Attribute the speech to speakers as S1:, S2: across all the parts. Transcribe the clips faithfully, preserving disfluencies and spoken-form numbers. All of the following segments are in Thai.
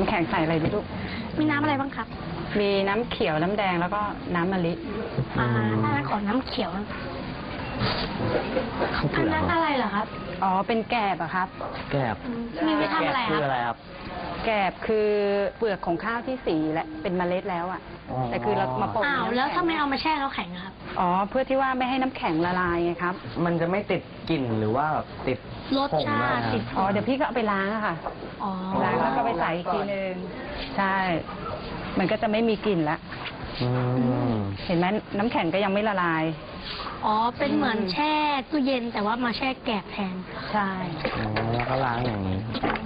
S1: น้ำแข็งใส่อะไรดีลูก
S2: มีน้ำอะไรบ้างครับ
S1: มีน้ำเขียวน้ำแดงแล้วก็น้ำมะลิ
S2: อ่าถ้างั้นขอน้ำเขียวอันนั้นอะไรเหรอครับ
S1: อ๋อเป็นแกบอะครับ
S3: แกบ
S2: มีไว้ทำอะไร
S3: ครับ
S1: แกบคือเปลือกของข้าวที่สีและเป็นเมล็ดแล้วอะแต่คือเรามาป่น
S2: อ้าวแล้วถ้าไม่เอามาแช่แล้วแข็งครับ
S1: อ๋อเพื่อที่ว่าไม่ให้น้ำแข็งละลายไงครับ
S3: มันจะไม่ติดกลิ่นหรือว่าติด
S2: รสชาติติด
S1: อ๋อเดี๋ยวพี่ก็เอาไปล้างอะค่ะล้างแล้วก็ไปใส่อีกทีนึงใช่มันก็จะไม่มีกลิ่นละเห็นไหมน้ำแข็งก็ยังไม่ละลาย
S2: อ๋อเป็นเหมือนแช่ตู้เย็นแต่ว่ามาแช่แกบแทน
S1: ใช่
S3: อ๋อแล้วก็ล้างอย่างนี้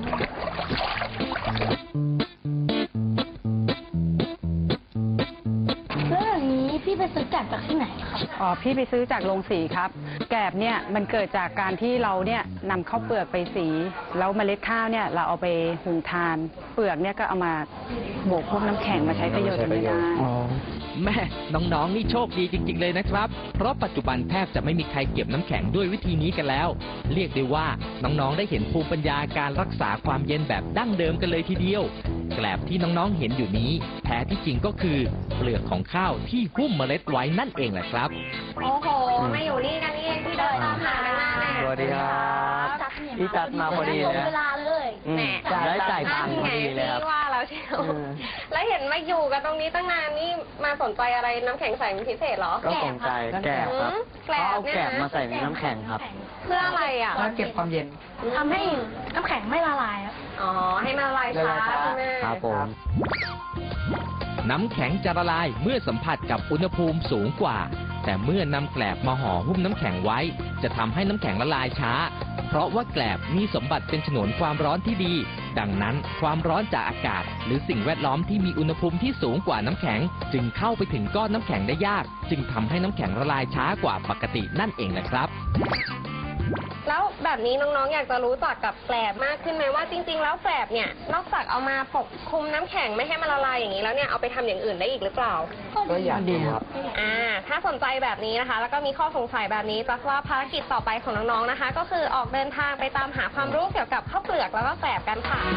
S2: แล้วอย่างนี้พี่ไปซื้อแกบจากที่ไหนครับ
S1: อ๋อพี่ไปซื้อจากโรงสีครับแกบเนี่ยมันเกิดจากการที่เราเนี่ยนำข้าวเปลือกไปสีแล้วเมล็ดข้าวเนี่ยเราเอาไปหุงทานเปลือกเนี่ยก็เอามาโบกพวกน้ำแข็งมาใช้ประโยชน์ไม่ได้
S4: แม่น้องๆนี่โชคดีจริงๆเลยนะครับเพราะปัจจุบันแทบจะไม่มีใครเก็บน้ำแข็งด้วยวิธีนี้กันแล้วเรียกได้ว่าน้องๆได้เห็นภูมิปัญญาการรักษาความเย็นแบบดั้งเดิมกันเลยทีเดียวแกลบที่น้องๆเห็นอยู่นี้แท้ที่จริงก็คือเปลือกของข้าวที่หุ้มเมล็ดไว้นั่นเองแหละครับ
S5: โอ้โหมาอยู่นี่กันนี่เองที่เดินตามหากันมาเนี่ย
S3: สวัสดีครับพี่จัดมาพอดีเลย
S2: เวลาเลย
S5: แหม
S3: ได้จ่ายตังค์พอดีเลยครับ
S5: ว่าแล้วเชียวแล้วเห็นมาอยู่กันตรงนี้ตั้งนานนี่มาสนใจอะไรน้ำแข็งใสเป็นพิเศษเหรอ
S3: ก็สนใจแกบครับเขาเอาแกบมาใส่ในน้ำแข็งครับ
S5: เพื่ออะไรอ่ะ
S1: เพื่อเก็บความเย็น
S2: ทำให้น้ำแข็งไม่ละลาย
S5: อ๋อให้มันละลายช้าใช่ไหม
S3: ครับผม
S4: น้ำแข็งจะละลายเมื่อสัมผัสกับอุณหภูมิสูงกว่าแต่เมื่อนำแกลบมาห่อหุ้มน้ำแข็งไว้จะทำให้น้ำแข็งละลายช้าเพราะว่าแกลบมีสมบัติเป็นฉนวนความร้อนที่ดีดังนั้นความร้อนจากอากาศหรือสิ่งแวดล้อมที่มีอุณหภูมิที่สูงกว่าน้ำแข็งจึงเข้าไปถึงก้อนน้ำแข็งได้ยากจึงทำให้น้ำแข็งละลายช้ากว่าปกตินั่นเองนะครับ
S5: แล้วแบบนี้น้องๆอยากจะรู้จักกับแกลบมากขึ้นไหมว่าจริงๆแล้วแกลบเนี่ยนอกจากเอามาปกคลุมน้ำแข็งไม่ให้มันละลายอย่างนี้แล้วเนี่ยเอาไปทำอย่างอื่นได้อีกหรือเปล่า
S3: ก็อยากดีครับ
S5: อ่าถ้าสนใจแบบนี้นะคะแล้วก็มีข้อสงสัยแบบนี้จักว่าภารกิจต่อไปของน้องๆนะคะก็คือออกเดินทางไปตามหาความรู้เกี่ยวกับข้าวเปลือกแล้วก็แกลบกันค่ะ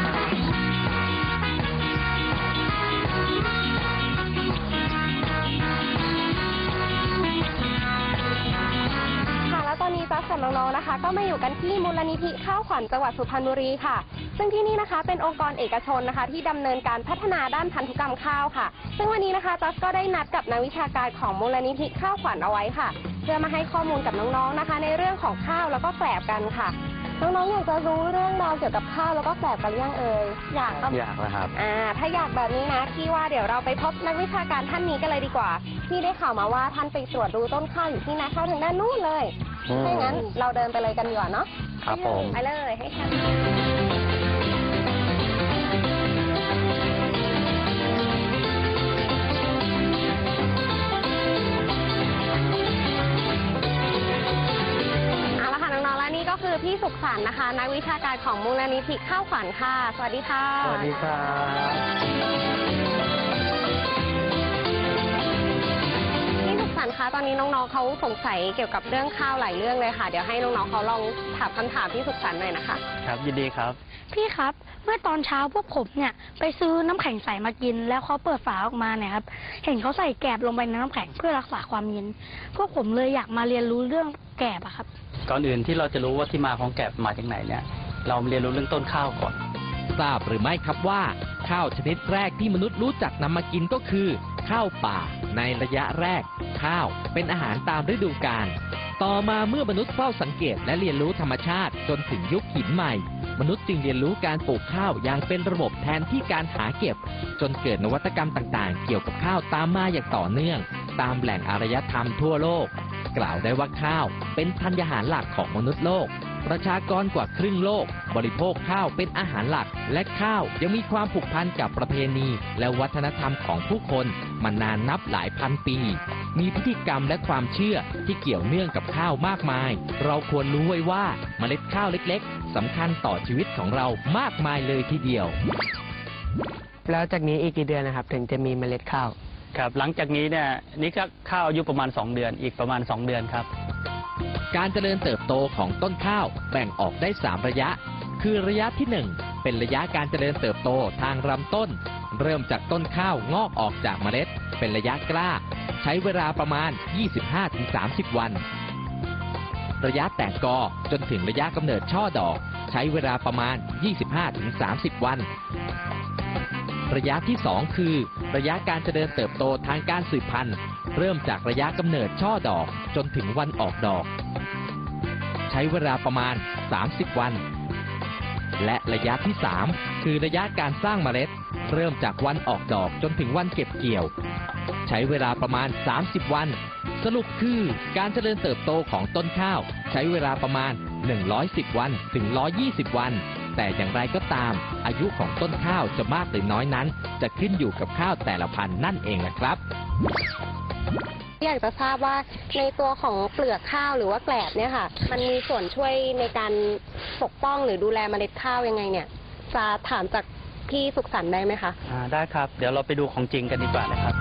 S5: ตอนนี้จัสกับน้องๆนะคะก็มาอยู่กันที่มูลนิธิข้าวขวัญจังหวัดสุพรรณบุรีค่ะซึ่งที่นี่นะคะเป็นองค์กรเอกชนนะคะที่ดำเนินการพัฒนาด้านพันธุกรรมข้าวค่ะซึ่งวันนี้นะคะจัสก็ได้นัดกับนักวิชาการของมูลนิธิข้าวขวัญเอาไว้ค่ะเพื่อมาให้ข้อมูลกับน้องๆนะคะในเรื่องของข้าวแล้วก็แกลบกันค่ะน้องๆอยากจะรู้เรื่องราวเกี่ยวกับข้าวแล้วก็แกลบกันยังเอ่ยอยากครับ
S3: อยากนะครับ
S5: อ่าถ้าอยากแบบนี้นะพี่ว่าเดี๋ยวเราไปพบนักวิชาการท่านนี้กันเลยดีกว่าพี่ได้ข่าวมาว่าท่านไปตรวจดูต้นข้าวอยู่ที่นาข้าวทางด้านนู้นเลยถ้างั้นเราเดินไปเลยกันดีกว่าเนาะ
S3: ครับผม
S5: ไปเลยให้ค่ะก็คือพี่สุขสันต์นะคะนักวิชาการของมูลนิธิข้าวขวัญค่ะสวัสดีค่ะ
S3: สวัสดีครับ
S5: พี่สุขสันต์คะตอนนี้น้องๆเขาสงสัยเกี่ยวกับเรื่องข้าวหลายเรื่องเลยค่ะเดี๋ยวให้น้องๆเขาลองถามคำถามพี่สุขสันต์หน่อยนะคะ
S3: ครับยินดีครับ
S2: พี่ครับเมื่อตอนเช้าพวกผมเนี่ยไปซื้อน้ำแข็งใสมากินแล้วเขาเปิดฝาออกมาเนี่ยครับเห็นเขาใส่แกบลงไปในน้ำแข็งเพื่อรักษาความเย็นพวกผมเลยอยากมาเรียนรู้เรื่องแกบอะครับ
S6: ก่อนอื่นที่เราจะรู้ว่าที่มาของแกบมาจากไหนเนี่ยเราเรียนรู้เรื่องต้นข้าวก่อน
S4: ทราบหรือไม่ครับว่าข้าวชนิดแรกที่มนุษย์รู้จักนำมากินก็คือข้าวป่าในระยะแรกข้าวเป็นอาหารตามฤดูกาลต่อมาเมื่อมนุษย์เฝ้าสังเกตและเรียนรู้ธรรมชาติจนถึงยุคหินใหม่มนุษย์จึงเรียนรู้การปลูกข้าวอย่างเป็นระบบแทนที่การหาเก็บจนเกิดนวัตกรรมต่างๆเกี่ยวกับข้าวตามมาอย่างต่อเนื่องตามแหล่งอารยธรรมทั่วโลกกล่าวได้ว่าข้าวเป็นธัญญาหารหลักของมนุษย์โลกประชากรกว่าครึ่งโลกบริโภคข้าวเป็นอาหารหลักและข้าวยังมีความผูกพันกับประเพณีและวัฒนธรรมของผู้คนมานานนับหลายพันปีมีพิธีกรรมและความเชื่อที่เกี่ยวเนื่องกับข้าวมากมายเราควรรู้ไว้ว่าเมล็ดข้าวเล็กๆสำคัญต่อชีวิตของเรามากมายเลยทีเดียว
S3: แล้วจากนี้อีกกี่เดือนนะครับถึงจะมีเมล็ดข้าว
S6: ครับหลังจากนี้เนี่ยนี่ก็ข้าวอายุประมาณสองเดือนอีกประมาณสองเดือนครับ
S4: การเจริญเติบโตของต้นข้าวแบ่งออกได้สามระยะคือระยะที่หนึ่งเป็นระยะการเจริญเติบโตทางลำต้น เริ่มจากต้นข้าวงอกออกจากเมล็ด เป็นระยะกล้า ใช้เวลาประมาณ ยี่สิบห้าถึงสามสิบ วัน ระยะแตกกอจนถึงระยะกำเนิดช่อดอก ใช้เวลาประมาณ ยี่สิบห้าถึงสามสิบ วัน ระยะที่ สอง คือ ระยะการเจริญเติบโตทางการสืบพันธุ์ เริ่มจากระยะกำเนิดช่อดอกจนถึงวันออกดอก ใช้เวลาประมาณ สามสิบ วัน และระยะที่ สาม คือระยะการสร้างเมล็ด เริ่มจากวันออกดอกจนถึงวันเก็บเกี่ยว ใช้เวลาประมาณ สามสิบ วัน สรุปคือการเจริญเติบโตของต้นข้าว ใช้เวลาประมาณ หนึ่งร้อยสิบ วันถึง หนึ่งร้อยยี่สิบ วัน แต่อย่างไรก็ตาม อายุของต้นข้าวจะมากหรือน้อยนั้น จะขึ้นอยู่กับข้าวแต่ละพันธุ์นั่นเองนะครับ
S5: อยากจะทราบว่าในตัวของเปลือกข้าวหรือว่าแกลบเนี่ยค่ะ มันมีส่วนช่วยในการปกป้องหรือดูแลเมล็ดข้าวยังไงเนี่ย จะถามจากพี่สุขสันต์ได้ไหมคะ
S6: อ่าได้ครับ เดี๋ยวเราไปดูของจริงกันดีกว่านะครับ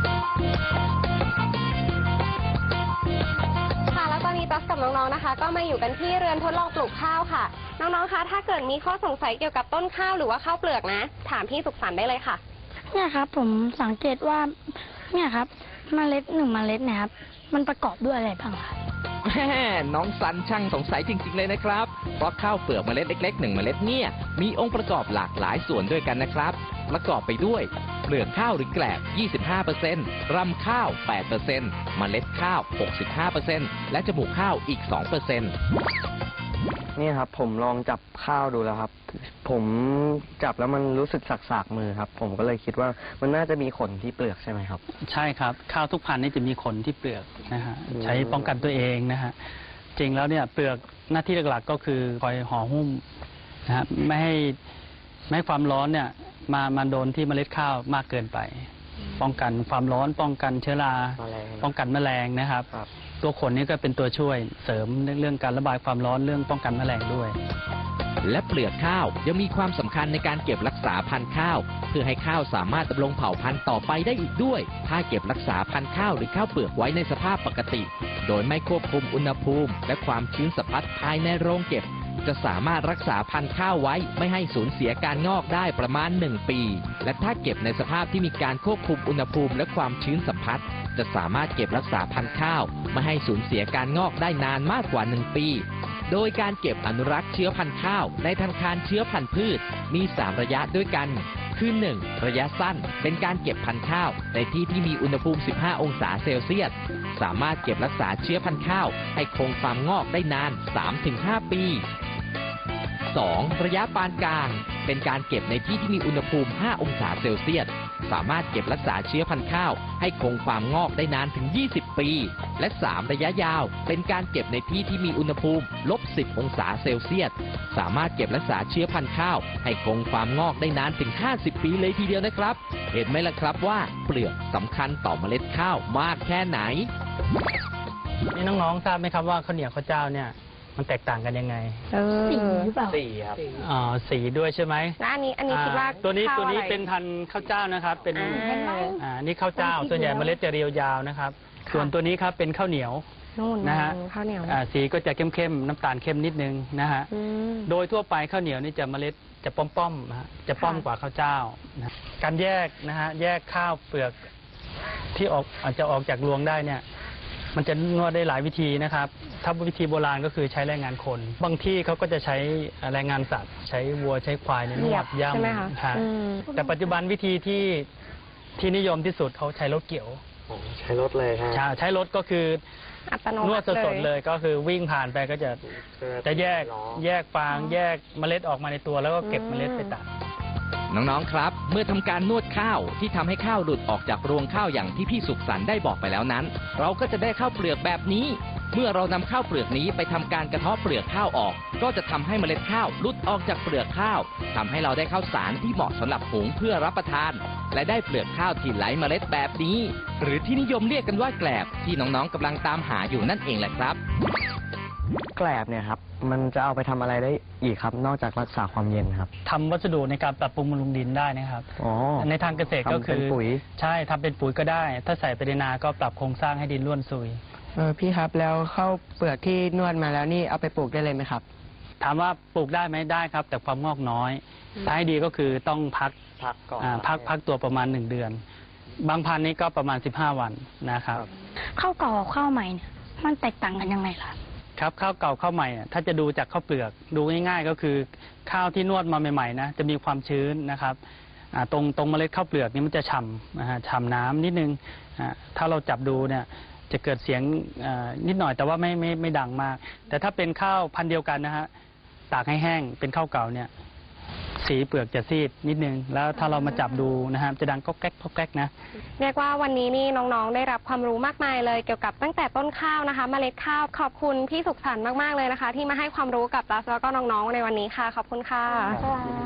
S5: ค่ะแล้วตอนนี้ตั๊กกับน้องๆนะคะ ก็มาอยู่กันที่เรือนทดลองปลูกข้าวค่ะ น้องๆคะถ้าเกิดมีข้อสงสัยเกี่ยวกับต้นข้าวหรือว่าข้าวเปลือกนะ ถามพี่สุขสันต์ได้เลยค่ะ
S2: เนี่ยครับผมสังเกตว่าเนี่ยครับเมล็ดหนึ่งเมล็ดเนี่ยครับมันประกอบด้วยอะไรบ้างครับ
S4: แม่น้องสันช่างสงสัยจริงๆเลยนะครับ เพราะข้าวเปลือกเมล็ดเล็กๆหนึ่งเมล็ดเนี่ยมีองค์ประกอบหลากหลายส่วนด้วยกันนะครับ ประกอบไปด้วยเปลือกข้าวหรือแกลบ ยี่สิบห้าเปอร์เซ็นต์ รำข้าว แปดเปอร์เซ็นต์ เมล็ดข้าว หกสิบห้าเปอร์เซ็นต์ และจมูกข้าวอีก สองเปอร์เซ็นต์
S3: นี่ครับผมลองจับข้าวดูแล้วครับ ผมจับแล้วมันรู้สึกสักๆมือครับ ผมก็เลยคิดว่ามันน่าจะมีขนที่เปลือกใช่ไหมครับ
S6: ใช่ครับ ข้าวทุกพันธุ์นี่จะมีขนที่เปลือกนะฮะ
S3: อืม
S6: ใช้ป้องกันตัวเองนะฮะ จริงแล้วเนี่ยเปลือกหน้าที่หลักๆก็คือคอยห่อหุ้มนะฮะไม่ให้ไม่ให้ความร้อนเนี่ยมามาโดนที่เมล็ดข้าวมากเกินไป ป้องกันความร้อนป้องกันเชื้อรา
S3: แมลง
S6: ป้องกันแมลงนะครับ
S3: ครับ
S6: ตัวขนนี่ก็เป็นตัวช่วยเสริมเรื่องการระบายความร้อนเรื่องป้องกันแมลงด้วย
S4: และเปลือกข้าวยังมีความสำคัญในการเก็บรักษาพันธุ์ข้าว เพื่อให้ข้าวสามารถดำรงเผ่าพันธุ์ต่อไปได้อีกด้วย ถ้าเก็บรักษาพันธุ์ข้าวหรือข้าวเปลือกไว้ในสภาพปกติ โดยไม่ควบคุมอุณหภูมิและความชื้นสัมผัสภายในโรงเก็บ จะสามารถรักษาพันธุ์ข้าวไว้ไม่ให้สูญเสียการงอกได้ประมาณหนึ่งปี และถ้าเก็บในสภาพที่มีการควบคุมอุณหภูมิและความชื้นสัมผัส จะสามารถเก็บรักษาพันธุ์ข้าวไม่ให้สูญเสียการงอกได้นานมากกว่าหนึ่งปี โดยการเก็บอนุรักษ์เชื้อพันธุ์ข้าวในธนาคารเชื้อพันธุ์พืชมีสามระยะด้วยกัน คือ หนึ่ง ระยะสั้นเป็นการเก็บพันธุ์ข้าวในที่ที่มีอุณหภูมิ สิบห้า องศาเซลเซียส สามารถเก็บรักษาเชื้อพันธุ์ข้าวให้คงความงอกได้นาน สามถึงห้า ปี สอง ระยะปานกลางเป็นการเก็บในที่ที่มีอุณหภูมิ ห้า องศาเซลเซียส สามารถเก็บรักษาเชื้อพันธุ์ข้าวให้คงความงอกได้นานถึง ยี่สิบ ปี และ สาม ระยะยาวเป็นการเก็บในที่ที่มีอุณหภูมิ ลบสิบ องศาเซลเซียส สามารถเก็บรักษาเชื้อพันธุ์ข้าวให้คงความงอกได้นานถึง ห้าสิบ ปีเลยทีเดียวนะครับ เห็นไหมล่ะครับว่าเปลือกสำคัญต่อเมล็ดข้าวมากแค่ไหน
S6: นี่น้องๆทราบไหมครับว่าข้าวเหนียวข้าวเจ้าเนี่ยมันแตกต่างกันยังไง
S1: เออ
S2: สีหรือเปล่า
S3: สี่ครับ
S6: อ๋อสีด้วยใช่ไหม
S5: แล้วอันนี้อันนี้คิดว่า
S6: อ่าตัวนี้
S5: ข้า
S6: ตัวนี้
S5: อะไร
S6: เป็นพันธุ์ข้าวเจ้านะครับ เป็น
S5: อ่า
S6: อ่านี่ข้าวเจ้า ส่วนใหญ่เมล็ดจะเรียวยาวนะครับ
S5: ค่ะ
S6: ส่วนตัวนี้ครับเป็นข้าวเหนียว
S5: นู่น
S6: นะฮะ
S5: ข้าวเหนียว
S6: อ่าสีก็จะเข้มๆน้ำตาลเข้มนิดนึงนะฮะ
S5: อืม
S6: โดยทั่วไปข้าวเหนียวนี่จะเมล็ดจะป้อมๆนะฮะจะป้อม
S5: ค่ะ
S6: กว่าข้าวเจ้านะการแยกนะฮะแยกข้าวเปลือกที่ออกอาจจะออกจากรวงได้เนี่ยมันจะนวดได้หลายวิธีนะครับ ถ้าวิธีโบราณก็คือใช้แรงงานคน บางที่เขาก็จะใช้แรงงานสัตว์ ใช้วัวใช้ควายเนี่ยน
S5: เหยี
S6: วย
S5: บ
S6: ดย่ำ
S5: ใช่ไหมคะ
S6: ฮะ
S5: อืม
S6: แต่ปัจจุบันวิธีที่ที่นิยมที่สุดเขาใช้รถเกี่ยว
S3: ใช้รถเลยครับ
S6: ใช้ใช้รถก็คือ
S5: อัตโน
S6: นว
S5: มั
S6: ด
S5: ติ
S6: สดๆเลยก็คือวิ่งผ่านไปก็จะจะแยกแยกฟางแยกเมล็ดออกมาในตัวแล้วก็เก็บเมล็ดไปตาก
S4: น้องๆ ครับ เมื่อทำการนวดข้าวที่ทำให้ข้าวหลุดออกจากรวงข้าวอย่างที่พี่สุขสันต์ได้บอกไปแล้วนั้น เราก็จะได้ข้าวเปลือกแบบนี้ เมื่อเรานำข้าวเปลือกนี้ไปทำการกระเทาะเปลือกข้าวออก ก็จะทำให้เมล็ดข้าวหลุดออกจากเปลือกข้าวทำให้เราได้ข้าวสารที่เหมาะสำหรับหุงเพื่อรับประทาน และได้เปลือกข้าวที่ไหลเมล็ดแบบนี้ หรือที่นิยมเรียกกันว่าแกลบที่น้องๆกำลังตามหาอยู่นั่นเองแหละครับ
S3: แกลบเนี่ยครับ มันจะเอาไปทำอะไรได้อีกครับ นอกจากรักษาความเย็นครับ
S6: ทำวัสดุในการปรับปรุงบำรุงดินได้นะครับ
S3: อ๋อ
S6: ในทางเกษตรก็
S3: ทำ
S6: คื
S3: เป็น
S6: อ
S3: ปุ๋ย
S6: ใช่ทำเป็นปุ๋ยก็ได้ ถ้าใส่ไปในนาก็ปรับโครงสร้างให้ดินร่วนซุย
S3: เออพี่ครับแล้วข้าวเปลือกที่นวดมาแล้วนี่เอาไปปลูกได้เลยไหมครับ
S6: ถามว่าปลูกได้ไหมได้ครับ แต่ความงอกน้อยถ้าให้ดีก็คือต้องพัก
S3: พักก่อน
S6: อ่าพักพักตัวประมาณหนึ่งเดือน บางพันธุ์นี้ก็ประมาณสิบห้าวันนะครับ
S2: ข้าวเก่ากับข้าวใหม่เนี่ยมันแตกต่างกันยังไงล่ะ
S6: ครับข้าวเก่าข้าวใหม่อ่ะถ้าจะดูจากข้าวเปลือกดูง่ายๆก็คือข้าวที่นวดมาใหม่ๆนะจะมีความชื้นนะครับอ่าตรงตรงเมล็ดข้าวเปลือกนี่มันจะฉ่ำนะฮะฉ่ำน้ำนิดนึงอ่าถ้าเราจับดูเนี่ยจะเกิดเสียงอ่านิดหน่อยแต่ว่าไม่ไม่ไม่ดังมาก แต่ถ้าเป็นข้าวพันธุ์เดียวกันนะฮะตากให้แห้งเป็นข้าวเก่าเนี่ยสีเปลือกจะซีดนิดนึงแล้วถ้าเรามาจับดูนะฮะจะดังก๊อกแก๊กก๊อกแก๊กนะ
S5: เรียกว่าวันนี้นี่น้องๆ ได้รับความรู้มากมายเลยเกี่ยวกับตั้งแต่ต้นข้าวนะคะ เมล็ดข้าวขอบคุณพี่สุขสันต์มากๆเลยนะคะ ที่มาให้ความรู้กับตัสแล้วก็น้องๆในวันนี้ค่ะ ขอบคุณค่ะ